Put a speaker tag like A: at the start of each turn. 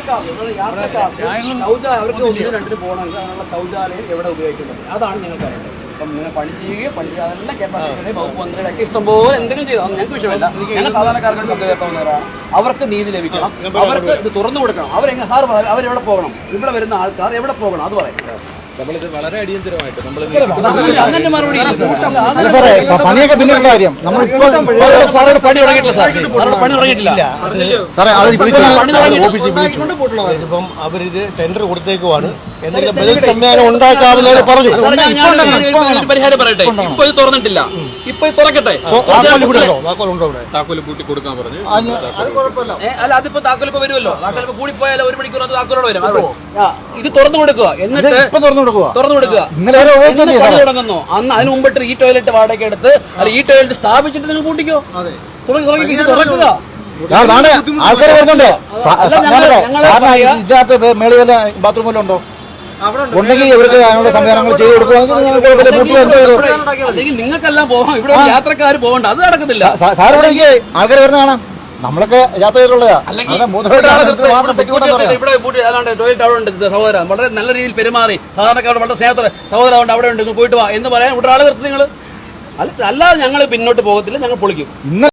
A: അവർക്ക് ഒന്നിനും രണ്ടിന് പോകണമെങ്കിൽ അതിനുള്ള ശൗചാലയം എവിടെ ഉപയോഗിക്കുന്നത് അതാണ് ഞങ്ങൾക്ക് അറിയേണ്ടത്. അപ്പം നിങ്ങൾ പണി ചെയ്യുകയോ പണി ചെയ്യാതെല്ലാം KSRTC വകുപ്പ് മന്ത്രിയുടെയൊക്കെ ഇഷ്ടംപോലെ എന്തെങ്കിലും ചെയ്തു ഞങ്ങൾക്ക് വിഷയമല്ല. ഞങ്ങൾ സാധാരണക്കാർക്ക് ശബ്ദം കേൾക്കാവുന്നവരാണ്. അവർക്ക് നീതി ലഭിക്കണം, അവർക്ക് ഇത് തുറന്നു കൊടുക്കണം. അവരെവിടെ പോകണം, ഇവിടെ വരുന്ന ആൾക്കാർ എവിടെ പോകണം അത് പറയും.
B: നമ്മളിത് വളരെ അടിയന്തരമായിട്ട്
A: അങ്ങനെ മറുപടി
C: പണിയൊക്കെ പിന്നീടുള്ള കാര്യം
A: സാറോട് പണി തുടങ്ങിയിട്ടില്ല. സാറോട് പണി തുടങ്ങിയിട്ടില്ല.
D: ഇപ്പം അവരിത് ടെൻഡർ കൊടുത്തേക്കുവാണ്. എന്തെങ്കിലും ബദൽ സംവിധാനം ഉണ്ടാക്കാതെ പറഞ്ഞു.
A: പരിഹാരം പറയട്ടെ. ഇപ്പൊ ഇത് തുറന്നിട്ടില്ല, ഇപ്പൊ ഇത് തുറക്കട്ടെ.
B: താക്കോല് പൂട്ടി കൊടുക്കാൻ പറഞ്ഞു.
A: അല്ല അതിപ്പോ താക്കോലിപ്പോ വരുമല്ലോ. താക്കോലിപ്പോ കൂടിപ്പോയാലോ 1 മണിക്കൂർ അത് താക്കോലോട് വരും. ഇത് തുറന്നു കൊടുക്കുക, എന്നിട്ട് തുറന്നു കൊടുക്കുക. പണി തുടങ്ങുന്നു. അന്ന് അതിന് മുമ്പിട്ട് ഈ ടോയ്ലറ്റ് വാടക എടുത്ത് അല്ല ഈ ടോയ്ലറ്റ് സ്ഥാപിച്ചിട്ട് നിങ്ങൾ കൂട്ടിക്കോ. തുറക്കുക.
C: ആൾക്കാർ വരുന്നുണ്ടോ? ഇതിനകത്ത് മേളിൽ വല്ല ബാത്റൂം വല്ലതും ഉണ്ടോ? ഉണ്ടെങ്കിൽ ഇവർക്ക് അതിനുള്ള സംവിധാനങ്ങൾ ചെയ്ത്
A: അല്ലെങ്കിൽ നിങ്ങൾക്കെല്ലാം പോകാം. ഇവിടെ യാത്രക്കാർ പോകണ്ട, അത് നടക്കത്തില്ല.
C: സാർ ഇവിടെ ആൾക്കാർ വരുന്ന കാണാം. നമ്മളൊക്കെ യാത്ര ചെയ്തിട്ടുള്ളതാ.
A: ടോയ്ലറ്റ് അവിടെ ഉണ്ട് സഹോദരൻ, വളരെ നല്ല രീതിയിൽ പെരുമാറി സാധാരണക്കാരോട് വളരെ സ്നേഹത്തോടെ സഹോദരൻ അവിടെ ഉണ്ട് പോയിട്ട് വാ എന്ന് പറയാൻ ഇവിടെ ആളെ നിർത്തി നിങ്ങൾ. അല്ലാതെ ഞങ്ങൾ പിന്നോട്ട് പോകത്തില്ല, ഞങ്ങൾ പൊളിക്കും.